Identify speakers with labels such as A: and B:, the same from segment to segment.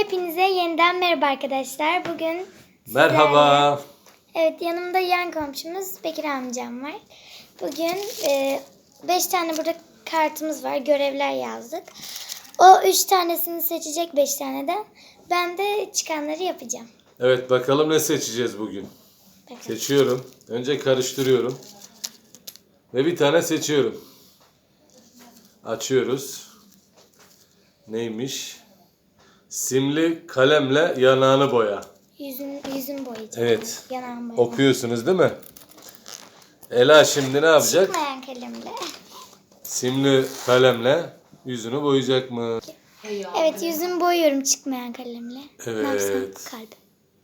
A: Hepinize yeniden merhaba arkadaşlar. Bugün
B: Merhaba.
A: Evet, yanımda yan komşumuz Bekir amcam var. Bugün 5 tane burada kartımız var. Görevler yazdık. O 3 tanesini seçecek 5 taneden. Ben de çıkanları yapacağım.
B: Evet, bakalım ne seçeceğiz bugün.
A: Bakalım.
B: Seçiyorum. Önce karıştırıyorum. Ve bir tane seçiyorum. Açıyoruz. Neymiş? Simli kalemle yanağını boya.
A: Yüzün boyayacağım.
B: Evet.
A: Yanağım boyayacağım.
B: Okuyorsunuz değil mi? Ela şimdi ne yapacak?
A: Çıkmayan kalemle.
B: Simli kalemle yüzünü boyayacak mı?
A: Evet, yüzümü boyuyorum çıkmayan kalemle. Ne yapsam?
B: Evet.
A: Kalp.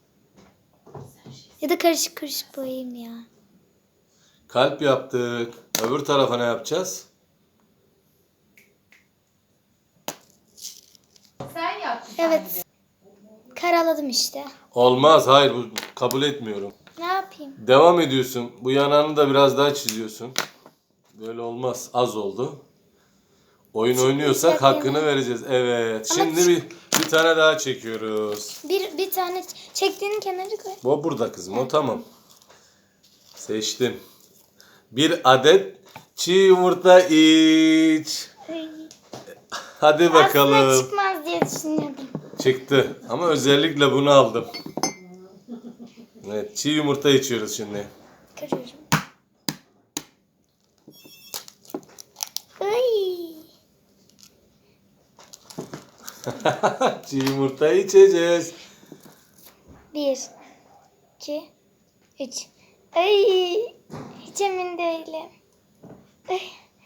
A: Ya da karışık karışık boyayayım ya.
B: Kalp yaptık. Öbür tarafa ne yapacağız?
C: Sen yap.
A: Evet. Karaladım işte.
B: Olmaz. Hayır, bu kabul etmiyorum.
A: Ne yapayım?
B: Devam ediyorsun. Bu yanağını da biraz daha çiziyorsun. Böyle olmaz. Az oldu. Oyun oynuyorsak
A: Çıkmayacak
B: hakkını
A: yani.
B: vereceğiz. Evet.
A: Ama
B: Şimdi bir tane daha çekiyoruz.
A: Bir tane çektiğinin kenarı koy.
B: Bu burada kızım. O tamam. Seçtim. Bir adet çiğ yumurta iç.
A: Ay.
B: Hadi
A: Aslında
B: bakalım.
A: çıkmaz diye düşünüyordum.
B: Çıktı. Ama özellikle bunu aldım. Evet. Çiğ yumurta içiyoruz şimdi.
A: Kırıyorum. Ay.
B: Çiğ yumurta içeceğiz.
A: 1, 2, 3. Ay. Hiç emin değilim. Ay.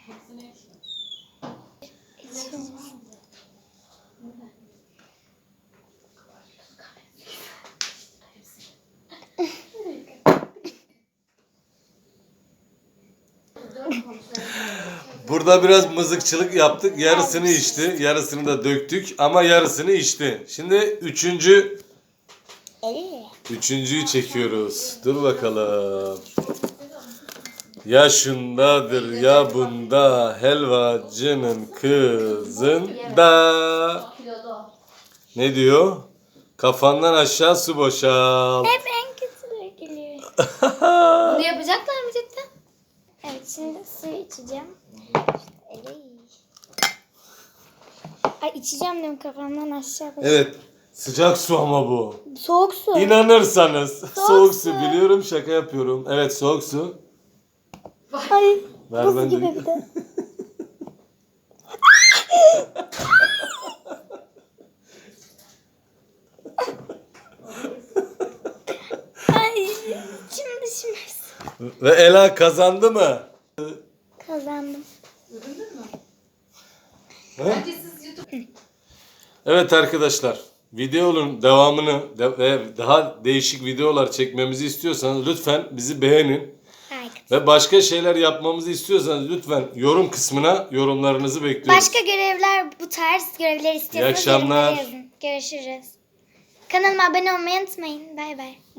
A: İçiyorum.
B: Burada biraz mızıkçılık yaptık. Yarısını içti. Yarısını da döktük. Ama yarısını içti. Şimdi üçüncüyü çekiyoruz. Dur bakalım. Ya şundadır ya bunda, helvacının kızında.
C: Kilolu.
B: Ne diyor? Kafandan aşağı su boşalt.
A: Hep en kötüleri geliyor.
C: Bunu yapacaklar mı cidden?
A: Evet, şimdi su içeceğim. Ay, içeceğim diyorum, kafamdan aşağı bak.
B: Evet. Sıcak su ama bu.
A: Soğuk su.
B: İnanırsanız. Soğuk su.
A: su.
B: Biliyorum, şaka yapıyorum. Evet, soğuk su.
A: Ay,
B: Ver
A: buz
B: ben
A: gibi
B: de.
A: bir de. Ay, şimdi düşmez.
B: Ve Ela kazandı mı?
A: Kazandım.
C: Bence siz YouTube...
B: Evet arkadaşlar, videonun devamını ve daha değişik videolar çekmemizi istiyorsanız lütfen bizi beğenin.
A: Harika.
B: Ve başka şeyler yapmamızı istiyorsanız lütfen yorum kısmına yorumlarınızı bekliyoruz.
A: Başka görevler, bu tarz görevler istiyorsanız
B: akşamlar.
A: yorumlara yazın. Görüşürüz. Kanalıma abone olmayı unutmayın. Bay bay.